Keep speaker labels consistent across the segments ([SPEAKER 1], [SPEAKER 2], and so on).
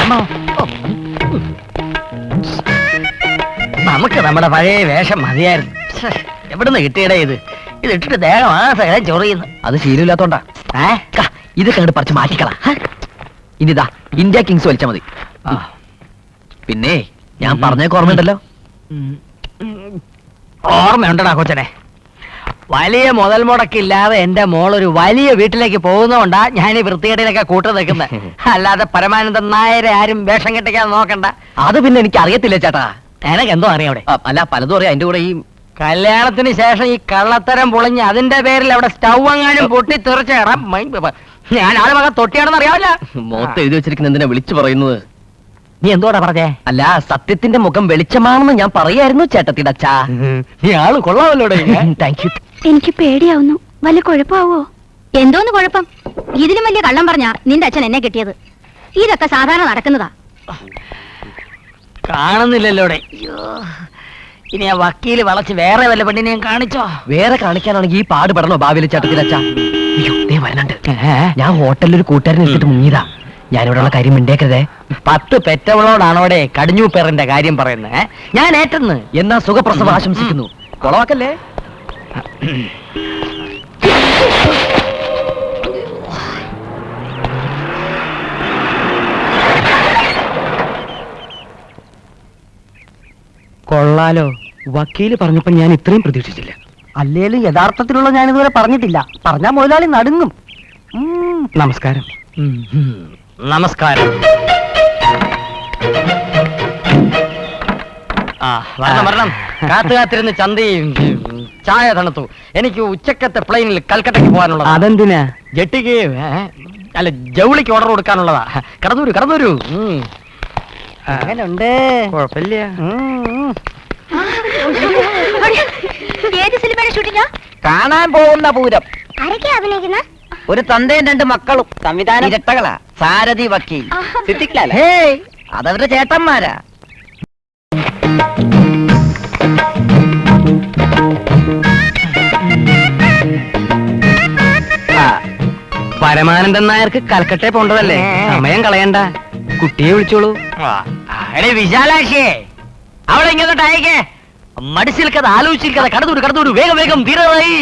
[SPEAKER 1] നമുക്ക് നമ്മുടെ പഴയ വേഷം മതിയായിരുന്നു. എവിടുന്ന് കിട്ടിയടേ ഇത്? ഇതിട്ടിട്ട് ദേഹം ആസകലം ചൊറിയുന്നു.
[SPEAKER 2] അത് ശീലമില്ലാത്തോണ്ടാ. ഇത് കണ്ട് പറിച്ച് മാറ്റിക്കളാ. ഇനിതാ ഇന്ത്യ കിങ്സ് വലിച്ചാ മതി. പിന്നെ ഞാൻ പറഞ്ഞേക്ക് ഓർമ്മയുണ്ടല്ലോ?
[SPEAKER 1] ഓർമ്മയുണ്ടടാ കൊച്ചനെ. വലിയ മുതൽ മുടക്കില്ലാതെ എന്റെ മോളൊരു വലിയ വീട്ടിലേക്ക് പോകുന്നോണ്ടാ ഞാൻ ഈ വൃത്തികേടിലൊക്കെ കൂട്ടു നിൽക്കുന്നത്. അല്ലാതെ പരമാനന്ദൻ നായരെ ആരും വേഷം കെട്ടിക്കാൻ നോക്കണ്ട.
[SPEAKER 2] അത് പിന്നെ എനിക്ക് അറിയത്തില്ല ചേട്ടാ.
[SPEAKER 1] എനക്ക് എന്തോ അറിയാം അവിടെ.
[SPEAKER 2] അല്ല പലതും അറിയാം. അതിന്റെ കൂടെ ഈ
[SPEAKER 1] കല്യാണത്തിന് ശേഷം ഈ കള്ളത്തരം പൊളിഞ്ഞ് അതിന്റെ പേരിൽ അവിടെ സ്റ്റൗ അങ്ങാനും പൊട്ടി തെറിച്ചേറാം. ഞാൻ ആള് മകൻ തൊട്ടിയാണെന്ന് അറിയാവില്ല.
[SPEAKER 2] മുഖത്ത് എഴുതി വെച്ചിരിക്കുന്ന എന്തിനാ വിളിച്ചു പറയുന്നത്?
[SPEAKER 1] നീ എന്തോടാ പറഞ്ഞേ?
[SPEAKER 2] അല്ല, സത്യത്തിന്റെ മുഖം വെളിച്ചമാണെന്ന് ഞാൻ പറയായിരുന്നു ചേട്ടത്തിയുടെ അച്ഛാ.
[SPEAKER 1] നീ ആള് കൊള്ളാമല്ലോ.
[SPEAKER 2] Thank you.
[SPEAKER 3] എനിക്ക് പേടിയാവുന്നു. വല്ല കുഴപ്പമാവോ? എന്തോന്ന് കുഴപ്പം? ഇതിലും വലിയ കള്ളം പറഞ്ഞാ നിന്റെ അച്ഛൻ എന്നെ കിട്ടിയത്. ഇതൊക്കെ സാധാരണ നടക്കുന്നതാ.
[SPEAKER 1] കാണുന്നില്ലല്ലോടെ. ഇനി ആ വക്കീല് വളച്ച് വേറെ വല്ല പെണ്ണിനെയും കാണിച്ചോ?
[SPEAKER 2] വേറെ കാണിക്കാനാണെങ്കിൽ ഈ പാട് പെടണോ ഭാവിയിലെ ചേട്ടത്തിൻ്റെ അച്ഛാ? അയ്യോ വരണുണ്ട്. ഞാൻ ഹോട്ടലിൽ ഒരു കൂട്ടുകാരൻ എടുത്തിട്ട് മുങ്ങിയതാ. ഞാനിവിടെയുള്ള കാര്യം മിണ്ടേക്കരുതേ.
[SPEAKER 1] 10 പെറ്റവളോടാണോടെ കടിഞ്ഞു പേറിന്റെ കാര്യം പറയുന്നത്? ഞാൻ ഏറ്റെന്ന്.
[SPEAKER 2] എന്നാ സുഖപ്രസവം ആശംസിക്കുന്നു. കൊളവാക്കല്ലേ.
[SPEAKER 1] കൊള്ളാലോ. വക്കീല് പറഞ്ഞപ്പോ ഞാൻ ഇത്രയും പ്രതീക്ഷിച്ചില്ല.
[SPEAKER 4] അല്ലേലും യഥാർത്ഥത്തിലുള്ള ഞാൻ ഇതുവരെ പറഞ്ഞിട്ടില്ല. പറഞ്ഞാ മുതലാളി നടുങ്ങും.
[SPEAKER 1] നമസ്കാരം. നമസ്കാരം. വരണം. കാത്തിരുന്ന് ചന്തയും ചായ തണുത്തു. എനിക്ക് ഉച്ചക്കത്തെ പ്ലെയിനിൽ കൽക്കട്ടയ്ക്ക് പോകാനുള്ളത്.
[SPEAKER 4] അതെന്തിനാ?
[SPEAKER 1] ജെട്ടിക്ക് അല്ല ജൗളിക്ക് ഓർഡർ കൊടുക്കാനുള്ളതാ. കടന്നൂര്.
[SPEAKER 4] അങ്ങനുണ്ട്.
[SPEAKER 1] കുഴപ്പമില്ല.
[SPEAKER 3] ഏത് സിനിമയുടെ ഷൂട്ടിംഗാ?
[SPEAKER 4] കാണാൻ പോകുന്ന പൂരം.
[SPEAKER 3] ആരൊക്കെയാ അഭിനയിക്കുന്ന?
[SPEAKER 4] ഒരു തന്തയും 2 മക്കളും. സംവിധാനം ഇരട്ടകളാ. സാരഥി വക്കീൽ സിദ്ദിഖ്. അതവരുടെ ചേട്ടന്മാരാ.
[SPEAKER 1] പരമാനന്ദൻ നായർക്ക് കൽക്കട്ടയെ പോണ്ടതല്ലേ? സമയം കളയണ്ട. കുട്ടിയെ വിളിച്ചോളൂ. വിശാലാക്ഷിയെ അവളെ ഇങ്ങോട്ട് അയക്കേ. മടിച്ചിരിക്കത് ആലോചിച്ചിരിക്കത്. കടന്നൂര് വേഗം തീരായി.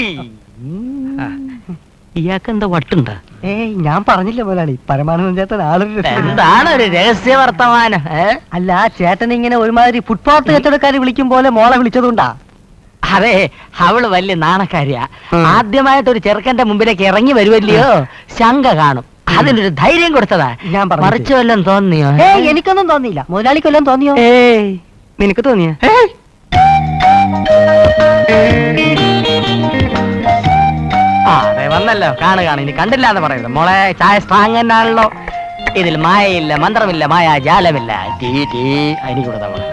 [SPEAKER 1] ഇയാൾക്ക് എന്താ വട്ടുണ്ടാ?
[SPEAKER 4] ഞാൻ പറഞ്ഞില്ല മുതലാളി, പരമാനന്ദൻ ചേട്ടൻ ആളൊരു
[SPEAKER 1] എന്താണ് ഒരു രഹസ്യ വർത്തമാനം?
[SPEAKER 4] അല്ല, ചേട്ടൻ ഇങ്ങനെ ഒരുമാതിരി ഫുട്പാത്ത് കച്ചവടക്കാര് വിളിക്കും പോലെ മോളെ വിളിച്ചതുകൊണ്ടാ.
[SPEAKER 1] അതെ, അവള് വലിയ നാണക്കാരിയാ. ആദ്യമായിട്ട് ഒരു ചെറുക്കന്റെ മുമ്പിലേക്ക് ഇറങ്ങി വരുമല്ലയോ, ശങ്ക കാണും. അതിനൊരു ധൈര്യം കൊടുത്തതാ.
[SPEAKER 4] ഞാൻ
[SPEAKER 1] മറിച്ചു വല്ലതും തോന്നിയോ?
[SPEAKER 4] എനിക്കൊന്നും തോന്നിയില്ല. മുതലാളിക്ക് വല്ലതും തോന്നിയോ?
[SPEAKER 1] നിനക്ക് തോന്നിയ? അതെ വന്നല്ലോ. കാണുക. ഇനി കണ്ടില്ല എന്ന് പറയുന്നത്. മോളെ ചായ സ്ട്രാങ് തന്നെയാണല്ലോ. ഇതിൽ മായയില്ല, മന്ത്രമില്ല, മായാജാലമില്ല. അതിന് കൂടെ മോളെ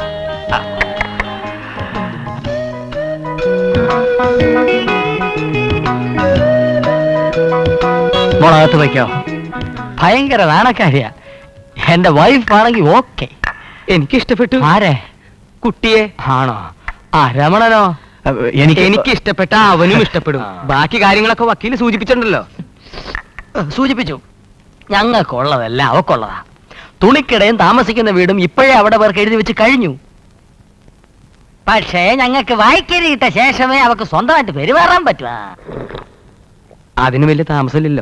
[SPEAKER 1] മോളകത്ത് വയ്ക്കോ. ഭയങ്കര നാണക്കാരിയാ. എന്റെ വൈഫ് ആണെങ്കിൽ ഓക്കെ. എനിക്കിഷ്ടപ്പെട്ടു. ആരെ? കുട്ടിയെ. ആണോ? രമണനോ? എനിക്ക് ഇഷ്ടപ്പെട്ട അവനും ഇഷ്ടപ്പെടും. ബാക്കി കാര്യങ്ങളൊക്കെ വക്കീല് സൂചിപ്പിച്ചിട്ടുണ്ടല്ലോ. സൂചിപ്പിച്ചു. ഞങ്ങൾക്കുള്ളതല്ല അവക്കുള്ളതാ. തുണിക്കിടയും താമസിക്കുന്ന വീടും ഇപ്പോഴേ അവിടെ പേർക്ക് എഴുതി വെച്ച് കഴിഞ്ഞു. പക്ഷേ ഞങ്ങൾക്ക് വായിക്കരിയിട്ട ശേഷമേ അവക്ക് സ്വന്തമായിട്ട് പെരുമാറാൻ പറ്റുക. അതിന് വലിയ താമസമില്ലല്ലോ.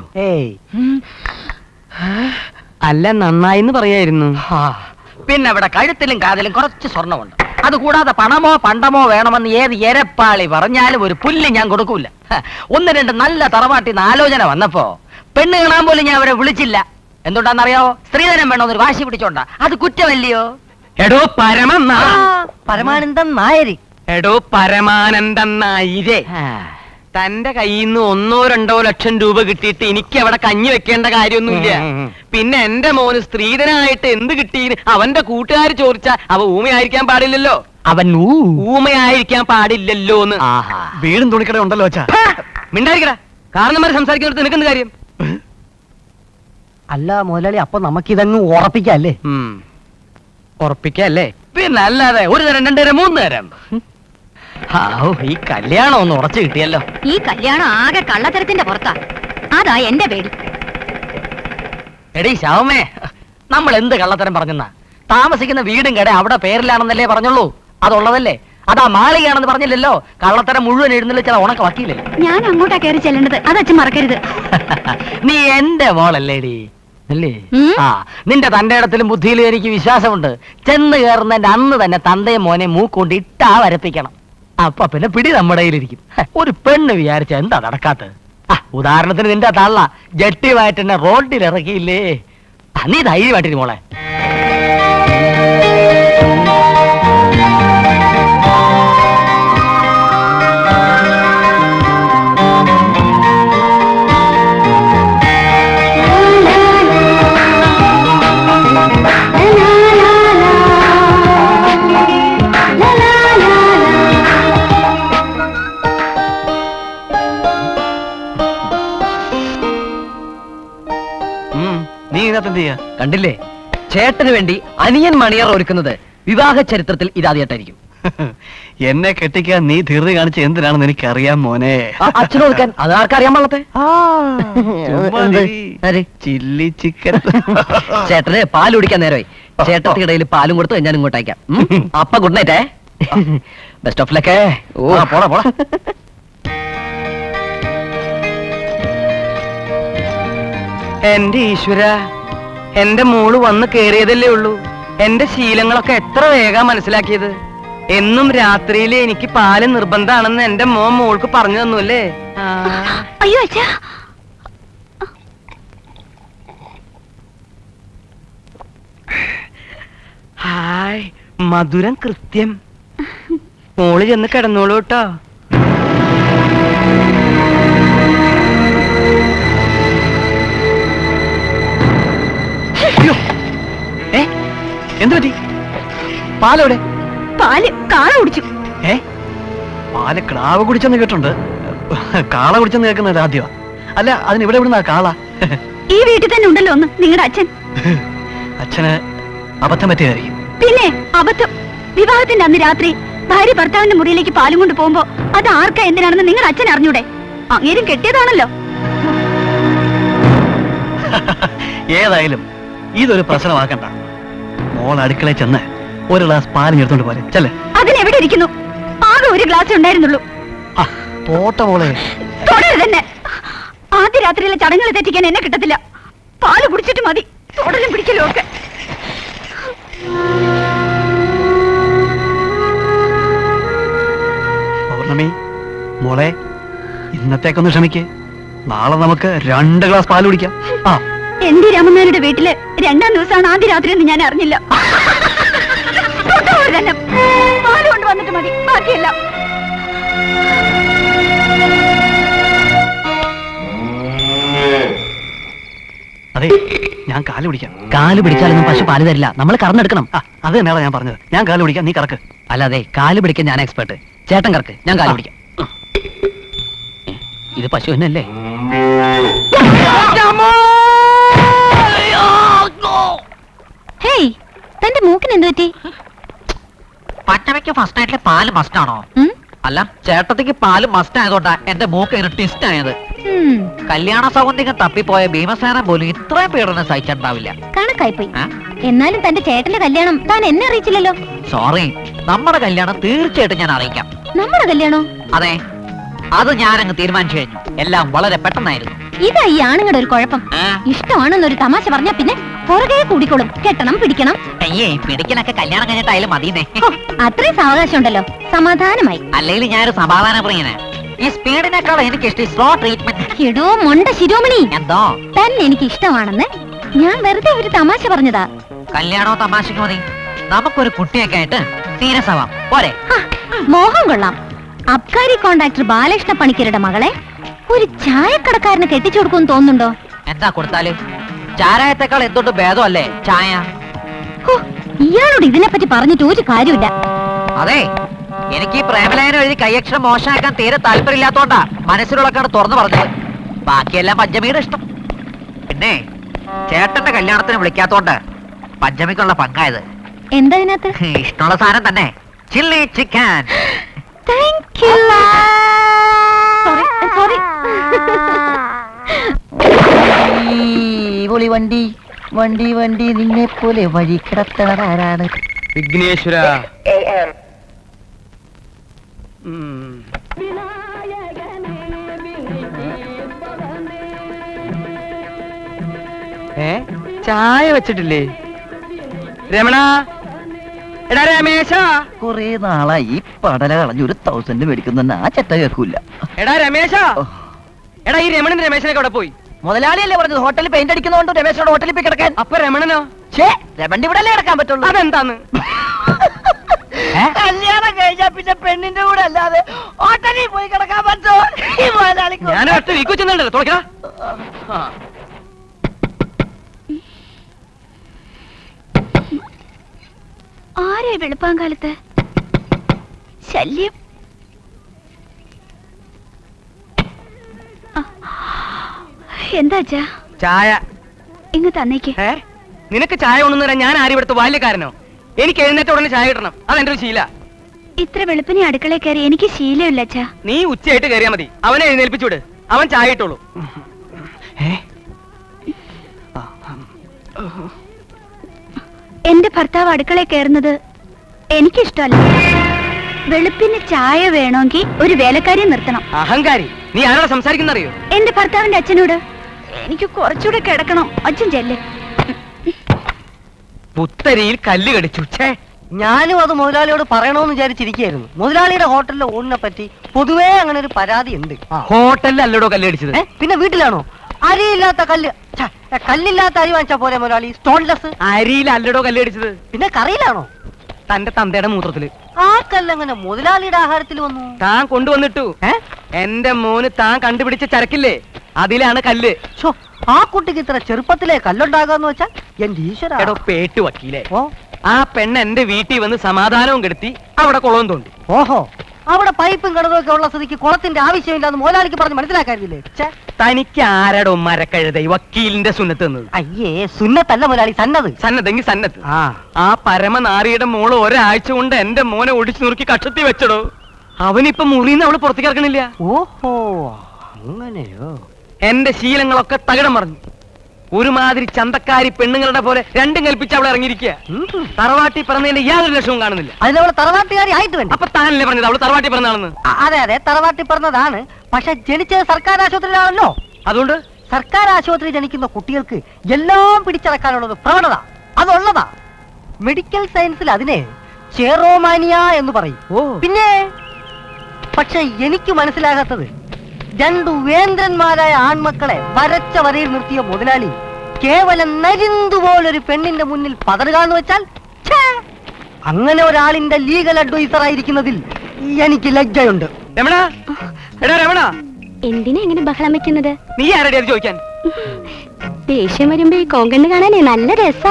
[SPEAKER 1] അല്ല, നന്നായിന്ന് പറയായിരുന്നു. പിന്നെ അവിടെ കഴുത്തിലും കാതിലും കുറച്ച് സ്വർണ്ണമുണ്ട്. അതുകൂടാതെ പണമോ പണ്ടമോ വേണമെന്ന് ഏത് എരപ്പാളി പറഞ്ഞാലും ഒരു പുല്ല് ഞാൻ കൊടുക്കൂല. 1-2 നല്ല തറവാട്ടിന്ന് ആലോചന വന്നപ്പോ പെണ്ണ് കാണാൻ പോലും ഞാൻ അവരെ വിളിച്ചില്ല. എന്തുകൊണ്ടാന്നറിയാവോ? സ്ത്രീധനം വേണമെന്നൊരു വാശി പിടിച്ചോണ്ടാ. അത് കുറ്റമല്ലയോ? എടോ
[SPEAKER 4] പരമാനന്ദൻ നായര്.
[SPEAKER 1] എടോ പരമാനന്ദൻ നായരെ, തന്റെ കയ്യിൽ നിന്ന് 1-2 ലക്ഷം രൂപ കിട്ടിയിട്ട് എനിക്ക് അവിടെ കഞ്ഞി വെക്കേണ്ട കാര്യമൊന്നുമില്ല. പിന്നെ എന്റെ മോന് സ്ത്രീധനായിട്ട് എന്ത് കിട്ടീന് അവന്റെ കൂട്ടുകാർ ചോദിച്ചാ അവ ഊമയായിരിക്കാൻ പാടില്ലല്ലോ. അവൻ ഊമയായിരിക്കാൻ പാടില്ലല്ലോന്ന്.
[SPEAKER 2] വീടും തുണിക്കട ഉണ്ടല്ലോ അച്ഛാ.
[SPEAKER 1] മിണ്ടായിരിക്കടാ. കാരണന്മാരെ സംസാരിക്കുന്നിടത്ത് നിനക്കെന്ത് കാര്യം?
[SPEAKER 4] അല്ല മുതലാളി, അപ്പൊ നമുക്കിതങ്ങ് ഉറപ്പിക്കല്ലേ?
[SPEAKER 1] ഉറപ്പിക്കല്ലേ? പിന്നെ അല്ലാതെ 1 തരം 2 തരം 3 തരം. ഈ കല്യാണം ഒന്ന് ഉറച്ചു കിട്ടിയല്ലോ.
[SPEAKER 3] ഈ കല്യാണം ആകെ കള്ളത്തരത്തിന്റെ പുറത്താ. അതാ എന്റെ പേടി.
[SPEAKER 1] എടീ ശവമേ, നമ്മൾ എന്ത് കള്ളത്തരം പറഞ്ഞെന്നാ? താമസിക്കുന്ന വീടും കട അവിടെ പേരിലാണെന്നല്ലേ പറഞ്ഞുള്ളൂ. അതുള്ളതല്ലേ? അതാ മാളികയാണെന്ന് പറഞ്ഞില്ലല്ലോ. കള്ളത്തരം മുഴുവൻ എഴുന്നള്ളിൽ ചില ഉണക്ക വക്കീലല്ലേ.
[SPEAKER 3] ഞാൻ അങ്ങോട്ടാ കയറി ചെല്ലേണ്ടത്, അത് അച്ഛൻ മറക്കരുത്.
[SPEAKER 1] നീ എന്റെ മോളല്ലേടി, അല്ലേ?
[SPEAKER 3] ഉം.
[SPEAKER 1] ആ, നിന്റെ തന്റെ ഇടത്തിലും ബുദ്ധിയിലും എനിക്ക് വിശ്വാസമുണ്ട്. ചെന്ന് കയറുന്നതിന്റെ അന്ന് തന്നെ തന്തയും മോനെ മൂക്കൊണ്ട് ഇട്ടാ വരപ്പിക്കണം. അപ്പൊ പിന്നെ പിടി നമ്മുടെ കയ്യിലിരിക്കും. ഒരു പെണ്ണ് വിചാരിച്ച എന്താ നടക്കാത്തത്? ഉദാഹരണത്തിന് നിന്റെ തള്ള ജട്ടിയുമായിട്ട് എന്നെ റോഡിൽ ഇറക്കിയില്ലേ? നീ ധൈര്യമായിട്ടിരി മോളെ. നീ ഇതിനകത്ത് എന്ത് ചെയ്യാ?
[SPEAKER 2] കണ്ടില്ലേ, ചേട്ടന് വേണ്ടി അനിയൻ മണിയർ ഒരുക്കുന്നത് വിവാഹ ചരിത്രത്തിൽ ഇതാദ്യമായിട്ടായിരിക്കും.
[SPEAKER 1] എന്നെ കെട്ടിക്കാൻ നീ ധീർതി കാണിച്ച എന്തിനാണെന്ന് എനിക്കറിയാം മോനെ.
[SPEAKER 2] അച്ഛനും കൊടുക്കാൻ അത് ആർക്കറിയാൻ പാടത്തെ.
[SPEAKER 1] Chilli chicken.
[SPEAKER 2] ചേട്ടന് പാൽ കുടിക്കാൻ നേരമായി. ചേട്ടത്തിന്റെ ഇടയിൽ പാലും കൊടുത്ത് ഞാൻ ഇങ്ങോട്ട് അയക്കാം. അപ്പ ഗുഡ് നൈറ്റേ. Best of luck.
[SPEAKER 1] പോടാ പോടാ. എന്റെ ഈശ്വര, എന്റെ മോള് വന്ന് കേറിയതല്ലേ ഉള്ളൂ. എന്റെ ശീലങ്ങളൊക്കെ എത്ര വേഗം മനസ്സിലാക്കിയത്. എന്നും രാത്രിയിൽ എനിക്ക് പാല് നിർബന്ധമാണെന്ന് എന്റെ മോൾക്ക് പറഞ്ഞു തന്നു അല്ലേ?
[SPEAKER 3] അയ്യോ അച്ഛാ,
[SPEAKER 1] ഹായ്, മധുരം കൃത്യം. മോള് ചെന്ന് കിടന്നോളൂ കേട്ടോ. എന്ത് പറ്റി? പാലെവിടെ?
[SPEAKER 3] പാല് കാള കുടിച്ചു.
[SPEAKER 1] പാല് ക്ലാവ് കുടിച്ചെന്ന് കേട്ടുണ്ട്. കാള കുടിച്ചെന്ന് കേൾക്കുന്നത് ആദ്യമാ. അല്ല, അതിന് ഇവിടെ എവിടുന്നാ കാള?
[SPEAKER 3] ഈ വീട്ടിൽ തന്നെ ഉണ്ടല്ലോ ഒന്ന് നിങ്ങളുടെ അച്ഛൻ.
[SPEAKER 1] അച്ഛന് അബദ്ധം പറ്റിയതായിരിക്കും.
[SPEAKER 3] പിന്നെ അബദ്ധം. വിവാഹത്തിന്റെ അന്ന് രാത്രി ഭാര്യ ഭർത്താവിന്റെ മുറിയിലേക്ക് പാലും കൊണ്ട് പോകുമ്പോ അത് ആർക്കാ എന്തിനാണെന്ന് നിങ്ങളുടെ അച്ഛൻ അറിഞ്ഞൂടെ? അങ്ങേരും കെട്ടിയതാണല്ലോ.
[SPEAKER 1] ഏതായാലും ഇതൊരു പ്രശ്നമാക്കണ്ട. മോൾ അടുക്കളയിൽ ചെന്ന് ഒരു ഗ്ലാസ് പാലും എടുത്തോണ്ട് പോലെ ചെല്ലേ.
[SPEAKER 3] അതിനെവിടെ ഇരിക്കുന്നു? ആകെ ഒരു ഗ്ലാസ് ഉണ്ടായിരുന്നുള്ളൂ.
[SPEAKER 1] പോട്ട മോളെ.
[SPEAKER 3] തന്നെ ആദ്യ രാത്രിയിലെ ചടങ്ങുകൾ തെറ്റിക്കാൻ എന്നെ കിട്ടത്തില്ല. പാല് കുടിച്ചിട്ട് മതി തൊടലും പിടിക്കലും ഒക്കെ.
[SPEAKER 1] പൗർണമി മോളെ, ഇന്നത്തേക്കൊന്ന് ക്ഷമിക്ക്. നാളെ നമുക്ക് 2 ഗ്ലാസ് പാല് കുടിക്കാം.
[SPEAKER 3] എന്റെ രാമനാരുടെ വീട്ടില് 2ാം ദിവസമാണ് ആദ്യ രാത്രി എന്ന് ഞാൻ അറിഞ്ഞില്ല. തന്നെ പാല് കൊണ്ട് വന്നിട്ട് മതി, ബാക്കിയല്ല.
[SPEAKER 1] അതെ, ഞാൻ കാല് പിടിക്കാം.
[SPEAKER 2] കാല് പിടിച്ചാലൊന്നും പശു പാല് തരില്ല. നമ്മൾ കറന്നെടുക്കണം.
[SPEAKER 1] അത് തന്നെയാണ് ഞാൻ പറഞ്ഞത്. ഞാൻ കാല് പിടിക്കാം, നീ കറക്ക്.
[SPEAKER 2] അല്ലാതെ കാല് പിടിക്കാൻ ഞാൻ എക്സ്പെർട്ട്. ചേട്ടൻ കറക്ക്, ഞാൻ കാല് പിടിക്കാം. ഇത് പശു തന്നെയല്ലേ?
[SPEAKER 3] ഹേയ്, തന്റെ മൂക്കിന് എന്ത് പറ്റി?
[SPEAKER 2] പച്ചമയ്ക്ക് ഫസ്റ്റ് നൈറ്റിലെ പാല് മസ്റ്റ് ആണോ? അല്ല, ചേട്ടത്തിക്ക് പാല് മസ്റ്റ് ആയതുകൊണ്ടാ എന്റെ മൂക്ക് ട്വിസ്റ്റ് ആയത്. കല്യാണ സൗഗന്ധികം തപ്പിപ്പോയ ഭീമസേന പോലും ഇത്രയും പീഡനം സഹിച്ചിട്ടുണ്ടാവില്ല.
[SPEAKER 3] കണക്കായിപ്പോയി. എന്നാലും തന്റെ ചേട്ടന്റെ കല്യാണം താൻ എന്നെ അറിയിച്ചില്ലല്ലോ.
[SPEAKER 2] സോറി, നമ്മുടെ കല്യാണം തീർച്ചയായിട്ടും ഞാൻ അറിയിക്കാം.
[SPEAKER 3] നമ്മുടെ കല്യാണോ?
[SPEAKER 2] അതെ, അത് ഞാനങ്ങ് തീരുമാനിച്ചു കഴിഞ്ഞു. എല്ലാം വളരെ പെട്ടെന്നായിരുന്നു.
[SPEAKER 3] ഇതാ ഈ ആണുങ്ങളുടെ ഒരു കുഴപ്പം. ഇഷ്ടമാണെന്നൊരു തമാശ പറഞ്ഞാ പിന്നെ പുറകെ കൂടിക്കോളും. കെട്ടണം, പിടിക്കണം.
[SPEAKER 2] അയ്യേ, പിടിക്കലൊക്കെ കല്യാണം കഴിഞ്ഞിട്ടായാലും മതിയെന്നേ.
[SPEAKER 3] അത്രയും സാവകാശം ഉണ്ടല്ലോ, സമാധാനമായി.
[SPEAKER 2] അല്ലെങ്കിൽ ഞാനൊരു സമാധാന പ്രിയനെ. ഈ സ്പീഡിനേക്കാൾ എനിക്ക് ഇഷ്ടം സ്ലോ ട്രീറ്റ്മെന്റ്.
[SPEAKER 3] എടോ മൊണ്ട ശിരോമണി,
[SPEAKER 2] എന്തോ
[SPEAKER 3] തന്നെ എനിക്ക് ഇഷ്ടമാണെന്ന് ഞാൻ വെറുതെ ഒരു തമാശ പറഞ്ഞതാ.
[SPEAKER 2] കല്യാണവും തമാശക്ക് മതി. നമുക്കൊരു കുട്ടിയൊക്കെ ആയിട്ട് സീരിയസാവാം പോരെ?
[SPEAKER 3] മോഹം കൊള്ളാം. അബ്കാരി കോൺട്രാക്ടർ ബാലകൃഷ്ണ പണിക്കരുടെ മകളെ ഒരു ചായക്കടക്കാരന് കെട്ടിച്ചു കൊടുക്കുമെന്ന് തോന്നുന്നുണ്ടോ?
[SPEAKER 2] എന്താ കൊടുത്താല്? ചാരായത്തെക്കാൾ എന്തുകൊണ്ട് ഭേദമല്ലേ ചായ?
[SPEAKER 3] ഇയാളോട് ഇതിനെപ്പറ്റി പറഞ്ഞിട്ട് ഒരു കാര്യമില്ല.
[SPEAKER 2] അതെ, എനിക്ക് ഈ പ്രേമലേഖനം എഴുതി കൈയക്ഷരം മോശമാക്കാൻ തീരെ താല്പര്യമില്ലാത്തോണ്ടാ മനസ്സിലുള്ളക്കാണ് തുറന്നു പറഞ്ഞത്. ബാക്കിയെല്ലാം പഞ്ചമിയുടെ ഇഷ്ടം. പിന്നെ ചേട്ടന്റെ കല്യാണത്തിന് വിളിക്കാത്തോണ്ട് പഞ്ചമിക്കുള്ള പങ്കായത്.
[SPEAKER 3] എന്താ ഇതിനകത്ത്?
[SPEAKER 2] ഇഷ്ടമുള്ള സാധനം തന്നെ, chilli chicken.
[SPEAKER 3] Thank you. Sorry.
[SPEAKER 2] വണ്ടി
[SPEAKER 4] വണ്ടി വണ്ടി നിന്നെ പോലെ വഴി കിടത്തണാരാണ്?
[SPEAKER 1] വിഘ്നേശ്വര. ചായ വെച്ചിട്ടില്ലേ രമണ? എടാ രമേശ.
[SPEAKER 4] കൊറേ നാളായി ഈ പടല കളഞ്ഞ് 1000 മേടിക്കുന്ന ആ ചെറ്റ കേൾക്കൂല.
[SPEAKER 1] എടാ രമേശ. എടാ ഈ രമണൻ രമേശനൊക്കെ അവിടെ പോയി?
[SPEAKER 4] മുതലാളിയല്ലേ പറഞ്ഞത് ഹോട്ടലിൽ പെയിന്റ് അടിക്കുന്നതുകൊണ്ട് രമേശനോട് ഹോട്ടലിൽ പോയി കിടക്കാൻ.
[SPEAKER 1] അപ്പൊ രമണനോ?
[SPEAKER 4] രമണി ഇവിടെ അല്ലേ കിടക്കാൻ പറ്റുള്ളൂ.
[SPEAKER 1] അതെന്താന്ന്?
[SPEAKER 4] കല്യാണം കഴിഞ്ഞാ പിന്നെ പെണ്ണിന്റെ കൂടെ അല്ലാതെ ഹോട്ടലിൽ പോയി കിടക്കാൻ പറ്റുമോ?
[SPEAKER 1] ഞാൻ ഒറ്റ വീക്കു ചെന്നുണ്ടല്ലോ തുറക്കടാ.
[SPEAKER 3] ആരെ വെളുപ്പാങ്കാലത്ത് ശല്യം? എന്താ അച്ഛാ?
[SPEAKER 1] ചായ
[SPEAKER 3] ഇങ്ങ് തന്നേക്ക്.
[SPEAKER 1] നിനക്ക് ചായ കൊണ്ടു തരാൻ ഞാൻ ആരും ഇവിടുത്തെ ബാല്യക്കാരനോ? എനിക്ക് എഴുന്നേറ്റ ഉടനെ ചായ കിട്ടണം, അതെന്റെ ഒരു ശീല.
[SPEAKER 3] ഇത്ര വെളുപ്പിനെ അടുക്കളയിൽ കയറി എനിക്ക് ശീലമില്ല അച്ഛാ.
[SPEAKER 1] നീ ഉച്ചയായിട്ട് കയറിയാ മതി, അവനെ എഴുന്നേൽപ്പിച്ചുവിട്, അവൻ ചായ ഇട്ടോളൂ.
[SPEAKER 3] എന്റെ ഭർത്താവ് അടുക്കളയിൽ കയറുന്നത് എനിക്കിഷ്ടമല്ല. വെളുപ്പിന് ചായ വേണമെങ്കിൽ ഒരു വേലക്കാരിയെ നിർത്തണം.
[SPEAKER 1] അഹങ്കാരി, നീ ആരോട് സംസാരിക്കുന്നറിയോ?
[SPEAKER 3] എന്റെ ഭർത്താവിന്റെ അച്ഛനോട്. എനിക്ക് കുറച്ചുകൂടെ കിടക്കണം. അച്ഛൻ ചെല്ലേ.
[SPEAKER 1] പുത്തരിയിൽ കല്ല് കടിച്ചു.
[SPEAKER 4] ഞാനും അത് മുതലാളിയോട് പറയണമെന്ന് വിചാരിച്ചിരിക്കുകയായിരുന്നു. മുതലാളിയുടെ ഹോട്ടലിലെ ഊണിനെ പറ്റി പൊതുവേ അങ്ങനെ ഒരു പരാതി ഉണ്ട്.
[SPEAKER 1] ഹോട്ടലിൽ അല്ലടോ കല്ല് കടിച്ചത്?
[SPEAKER 4] പിന്നെ വീട്ടിലാണോ? അരിയില്ലാത്ത കല്ല്, കല്ലില്ലാത്ത അരി വാങ്ങിച്ചാ പോലെ മുതലാളി. സ്റ്റോൺലെസ്
[SPEAKER 1] അരിയിൽ അല്ലടോ കല്ല് കടിച്ചത്.
[SPEAKER 4] പിന്നെ കറിയിലാണോ?
[SPEAKER 1] തന്റെ തന്തയുടെ മൂത്രത്തില്.
[SPEAKER 4] ആ കല്ലെങ്ങനെ മുതലാളിയുടെ ആഹാരത്തിൽ വന്നു?
[SPEAKER 1] താൻ കൊണ്ടുവന്നിട്ടു. എന്റെ മോന് താൻ കണ്ടുപിടിച്ച ചരക്കില്ലേ, അതിലാണ് കല്ല്.
[SPEAKER 4] ആ കുട്ടിക്ക് ഇത്ര ചെറുപ്പത്തിലെ കല്ലുണ്ടാകാന്ന് വെച്ചാൽ എന്റെ ഈശ്വര.
[SPEAKER 1] എടോ പേട്ടു വക്കീലേ, ആ പെണ്ണ് എന്റെ വീട്ടിൽ വന്ന് സമാധാനവും കെടുത്തി അവിടെ കുളവും തോണ്ടി.
[SPEAKER 4] ഓഹോ, അവിടെ പൈപ്പും കിണറുമൊക്കെ ഉള്ള സ്ഥിതിക്ക് കുളത്തിന്റെ ആവശ്യമില്ലാന്ന് മുതലാളിക്ക് പറഞ്ഞ് മനസ്സിലാക്കാറില്ലേ?
[SPEAKER 1] തനിക്ക് ആരടോ മരക്കഴുത വക്കീലിന്റെ സുന്നത്ത് തന്നത്?
[SPEAKER 4] അയ്യേ, സുന്നത്തല്ല മുതലാളി, സന്നത്.
[SPEAKER 1] സന്നദ്ധെങ്കിൽ സന്നത്ത്. ആ പരമനാരിയുടെ മോള് ഒരാഴ്ച കൊണ്ട് എന്റെ മോനെ ഒടിച്ചു നുറുക്കി കക്ഷത്തി വെച്ചടോ. അവനിപ്പൊ മുറിന്ന് അവള് പുറത്തേക്ക് ഇറക്കണില്ല.
[SPEAKER 4] ഓഹോ, അങ്ങനെയോ?
[SPEAKER 1] എന്റെ ശീലങ്ങളൊക്കെ തകിടം മറിഞ്ഞു. ഒരുമാതിരി ചന്തക്കാരി പെണ്ണുങ്ങളുടെ പോലെ രണ്ടും കൽപ്പിച്ച് അവളെ ഇറങ്ങിയിരിക്കുക. തറവാട്ടി പറഞ്ഞതിന്റെ യാതൊരു ലക്ഷവും കാണുന്നില്ല.
[SPEAKER 4] അതിനവളെ തറവാട്ടുകാരി ആയിട്ട് വേണ്ട.
[SPEAKER 1] അപ്പൊ താനല്ലേ പറഞ്ഞത് അവള് തറവാട്ടി പറഞ്ഞാണെന്ന്?
[SPEAKER 4] അതെ അതെ, തറവാട്ടി പറഞ്ഞതാണ്. പക്ഷെ ജനിച്ചത് സർക്കാർ ആശുപത്രിയിലാണല്ലോ.
[SPEAKER 1] അതുകൊണ്ട്
[SPEAKER 4] സർക്കാർ ആശുപത്രി ജനിക്കുന്ന കുട്ടികൾക്ക് എല്ലാം പിടിച്ചടക്കാനുള്ളത് പ്രവണത അതുള്ളതാ. മെഡിക്കൽ സയൻസിൽ അതിനെ ചെറോമാനിയ എന്ന് പറയും. പിന്നെ പക്ഷെ എനിക്ക് മനസ്സിലാകാത്തത്, രണ്ടു വേന്ദ്രന്മാരായ ആൺമക്കളെ വരച്ച വരയിൽ നിർത്തിയ മുതലാളി കേവലം നരിന്തുപോലൊരു പെണ്ണിന്റെ മുന്നിൽ പതറുക എന്ന് വെച്ചാൽ, അങ്ങനെ ഒരാളിന്റെ ലീഗൽ അഡ്വൈസർ ആയിരിക്കുന്നതിൽ എനിക്ക് ലജ്ജയുണ്ട്.
[SPEAKER 1] രമണ, എടാ രമണ,
[SPEAKER 3] എന്തിനാ ഇങ്ങനെ ബഹളം വെക്കുന്നത്?
[SPEAKER 1] നീ ആരുടെ അത് ചോദിക്കാൻ?
[SPEAKER 3] ദേഷ്യം വരുമ്പോ ഈ കോങ്കണ്ണ് കാണാനേ നല്ല രസാ.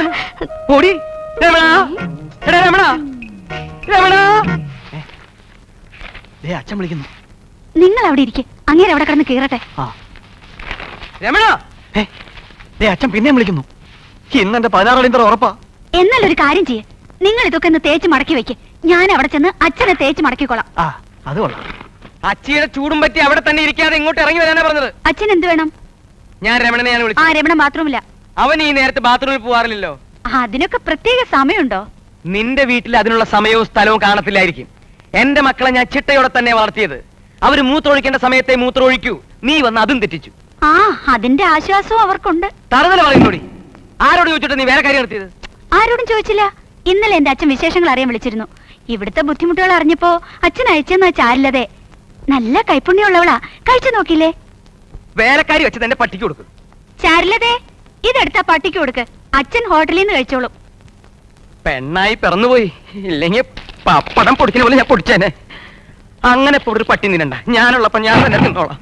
[SPEAKER 1] അച്ഛൻ വിളിക്കുന്നു.
[SPEAKER 3] നിങ്ങൾ അവിടെ ഇരിക്കെ, അങ്ങേരെ അവിടെ കിടന്ന് കീറട്ടെ.
[SPEAKER 1] രമണ, അച്ഛൻ പിന്നെയും വിളിക്കുന്നു. ഇന്ന് എന്റെ 16 അടിയന്തര ഉറപ്പാ.
[SPEAKER 3] എന്നാൽ ഒരു കാര്യം ചെയ്യേ, നിങ്ങൾ ഇതൊക്കെ ഒന്ന് തേച്ച് മടക്കി വെക്ക്. ഞാൻ അവിടെ ചെന്ന് അച്ഛനെ തേച്ച് മടക്കിക്കോളാം.
[SPEAKER 1] അത് കൊള്ളാം. അച്ചിയുടെ ചൂടും പറ്റി അവിടെ തന്നെ ഇരിക്കാതെ ഇങ്ങോട്ട് ഇറങ്ങി വരാനാ പറഞ്ഞത്.
[SPEAKER 3] അച്ഛൻ എന്ത് വേണം?
[SPEAKER 1] ഞാൻ രമണനെ വിളിച്ചു.
[SPEAKER 3] രമണ ബാത്റൂമില്ല.
[SPEAKER 1] അവൻ ഈ നേരത്തെ ബാത്റൂമിൽ പോവാറില്ലല്ലോ.
[SPEAKER 3] അതിനൊക്കെ പ്രത്യേക സമയമുണ്ടോ?
[SPEAKER 1] നിന്റെ വീട്ടിൽ അതിനുള്ള സമയവും സ്ഥലവും കാണത്തില്ലായിരിക്കും. എന്റെ മക്കളെ ഞാൻ ചിട്ടയോടെ തന്നെ വളർത്തിയത്. അവര് മൂത്രമൊഴിക്കേണ്ട സമയത്തെ മൂത്രമൊഴിക്കൂ. നീ വന്ന് അതും തെറ്റിച്ചു.
[SPEAKER 3] അതിന്റെ ആശ്വാസവും അവർക്കുണ്ട്.
[SPEAKER 1] തറുതല പറയുന്നോടി. ആരോട് ചോദിച്ചിട്ട് നീ വേറെ കാര്യം നടത്തിയത്?
[SPEAKER 3] ആരോടും ചോദിച്ചില്ല. ഇന്നലെ എന്റെ അച്ഛൻ വിശേഷങ്ങൾ അറിയാൻ വിളിച്ചിരുന്നു. ഇവിടുത്തെ ബുദ്ധിമുട്ടുകൾ അറിഞ്ഞപ്പോ അച്ഛൻ അയച്ചെന്നാ ചാരില്ലതെ. നല്ല കൈപ്പുണ്യമുള്ളവളാ. കഴിച്ചു നോക്കില്ലേ?
[SPEAKER 1] വേലക്കാരി വെച്ചത് എന്റെ പട്ടിക്ക് കൊടുക്കും.
[SPEAKER 3] ചാരില്ലതെ, ഇതെടുത്താ പട്ടിക്ക് കൊടുക്ക്. അച്ഛൻ ഹോട്ടലിൽ നിന്ന് കഴിച്ചോളും.
[SPEAKER 1] പെണ്ണായി പിറന്നുപോയി. ഇല്ലെങ്കിൽ പപ്പടം പൊടിക്കുന്ന പോലെ ഞാൻ പൊടിച്ചേനെ. അങ്ങനെ ഇപ്പൊ ഒരു പട്ടി നിന്നണ്ട. ഞാനുള്ളപ്പോ ഞാൻ തന്നെ തിന്നോളാം.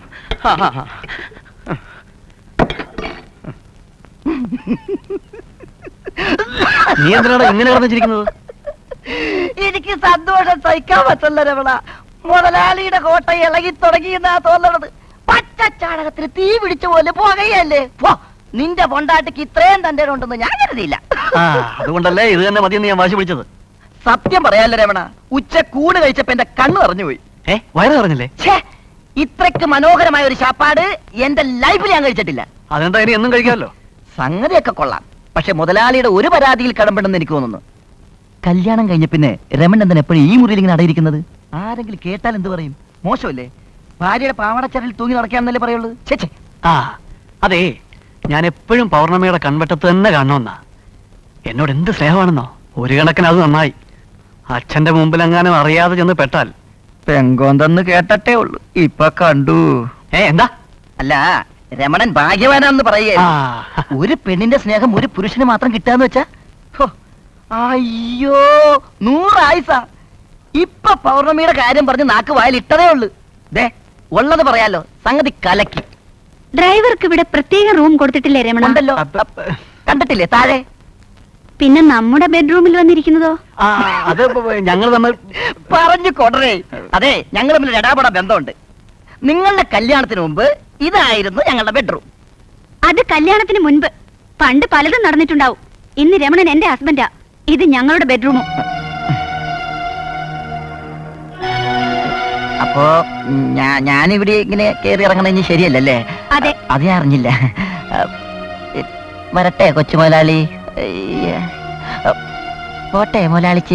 [SPEAKER 4] നീ എന്തിനാണ് ഇങ്ങനെ കിടന്നിരിക്കുന്നത്? എനിക്ക് സന്തോഷം സഹിക്കാൻ പറ്റില്ല രമണ. മുതലാളിയുടെ കോട്ട ഇളകി തുടങ്ങിയെന്നാ തോന്നണത്. പച്ചച്ചാണകത്തിന് തീ പിടിച്ച പോലെ പോകുകയല്ലേ. നിന്റെ പൊണ്ടാട്ടിക്ക് ഇത്രയും തന്റെ ഉണ്ടെന്ന് ഞാൻ കരുതിയില്ല.
[SPEAKER 5] അതുകൊണ്ടല്ലേ ഇത് തന്നെ മതിയെന്ന് ഞാൻ വാശി പിടിച്ചത്.
[SPEAKER 4] സത്യം പറയാല്ല രമണ, ഉച്ച കൂട് കഴിച്ചപ്പോ എന്റെ കണ്ണ് നിറഞ്ഞുപോയി.
[SPEAKER 5] വയറ് നിറഞ്ഞില്ലേ?
[SPEAKER 4] ഇത്രക്ക് മനോഹരമായ ഒരു ശാപ്പാട് എന്റെ ലൈഫിൽ ഞാൻ കഴിച്ചിട്ടില്ല.
[SPEAKER 5] അതെന്താ ഇനി എന്നും കഴിക്കാമല്ലോ. സംഗതിയൊക്കെ കൊള്ളാം. പക്ഷെ മുതലാളിയുടെ ഒരു പരാതിയിൽ കടമ്പെടുന്ന് എനിക്ക് തോന്നുന്നു. കല്യാണം കഴിഞ്ഞ പിന്നെ രമൺ എന്തിനാ എപ്പോഴും ഈ മുറിയിൽ ഇങ്ങനെ അടയിരിക്കുന്നത്? ആരെങ്കിലും കേട്ടാൽ എന്ത് പറയും? മോശമല്ലേ? ഭാര്യയുടെ പാവാടച്ചരലിൽ തൂങ്ങി നടക്കാന്നല്ലേ പറയുള്ളൂ. ചേച്ചേ,
[SPEAKER 6] ആ അതെ, ഞാൻ എപ്പോഴും പൗർണമിയുടെ കൺവെട്ടത്ത് തന്നെ കാണണമെന്നാ. എന്നോട് എന്ത് സ്നേഹമാണെന്നോ. ഒരു കണക്കിന് അത് നന്നായി. അച്ഛന്റെ മുമ്പിലെങ്ങാനും അറിയാതെ ചെന്ന് പെട്ടാൽ
[SPEAKER 5] പെങ്കോന്തെന്ന് കേട്ടട്ടേ ഉള്ളൂ, ഇപ്പൊ കണ്ടു.
[SPEAKER 6] എന്താ?
[SPEAKER 5] അല്ല, രമണൻ ഭാഗ്യവാനാന്ന്
[SPEAKER 6] ആ,
[SPEAKER 5] പറയുക. ഒരു പെണ്ണിന്റെ സ്നേഹം ഒരു പുരുഷന് മാത്രം കിട്ടാന്ന് വെച്ചാ ഹോ, അയ്യോ 100 ആയുസാ. ഇപ്പൊ പൗർണമിയുടെ കാര്യം പറഞ്ഞ് നാക്ക് വായിൽ ഇട്ടതേ ഉള്ളു. ദേ ഉള്ളത് പറയാലോ, സംഗതി കലക്കി.
[SPEAKER 3] ഡ്രൈവർക്ക് ഇവിടെ പ്രത്യേക റൂം കൊടുത്തിട്ടില്ലേ രമണ?
[SPEAKER 5] ഉണ്ടല്ലോ, കണ്ടിട്ടില്ലേ താഴെ?
[SPEAKER 3] പിന്നെ നമ്മുടെ ബെഡ്റൂമിൽ വന്നിരിക്കുന്നതോ?
[SPEAKER 6] ആ, അത് ഞങ്ങൾ തമ്മിൽ
[SPEAKER 5] പറഞ്ഞു കൊടരേ. അതെ, ഞങ്ങൾ തമ്മിൽ ഇടാപട ബന്ധമുണ്ട്. നിങ്ങളുടെ കല്യാണത്തിന് മുമ്പ് ഇതായിരുന്നു ഞങ്ങളുടെ ബെഡ്റൂം.
[SPEAKER 3] അത് കല്യാണത്തിന് മുൻപ്. പണ്ട് പലതും നടന്നിട്ടുണ്ടാവും. ഇന്ന് രമണൻ എന്റെ ഹസ്ബൻഡാ. ഇത് ഞങ്ങളുടെ ബെഡ്റൂമും.
[SPEAKER 5] അപ്പോ ഞാനിവിടെ ഇങ്ങനെ കയറി ഇറങ്ങണ ഇനി ശരിയല്ലല്ലേ?
[SPEAKER 3] അതെ.
[SPEAKER 5] അത് ഞാൻ അറിഞ്ഞില്ല. വരട്ടെ കൊച്ചു മുതലാളി. പോട്ടെ മുതലാളിച്ചി.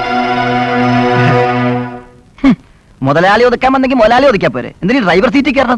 [SPEAKER 5] മുതലാളി ഒതുക്കാൻ വന്നെങ്കിൽ മുതലാളി ഒതുക്കാൻ പോരെ? എന്തിനീ ഡ്രൈവർ സീറ്റിൽ കയറണം?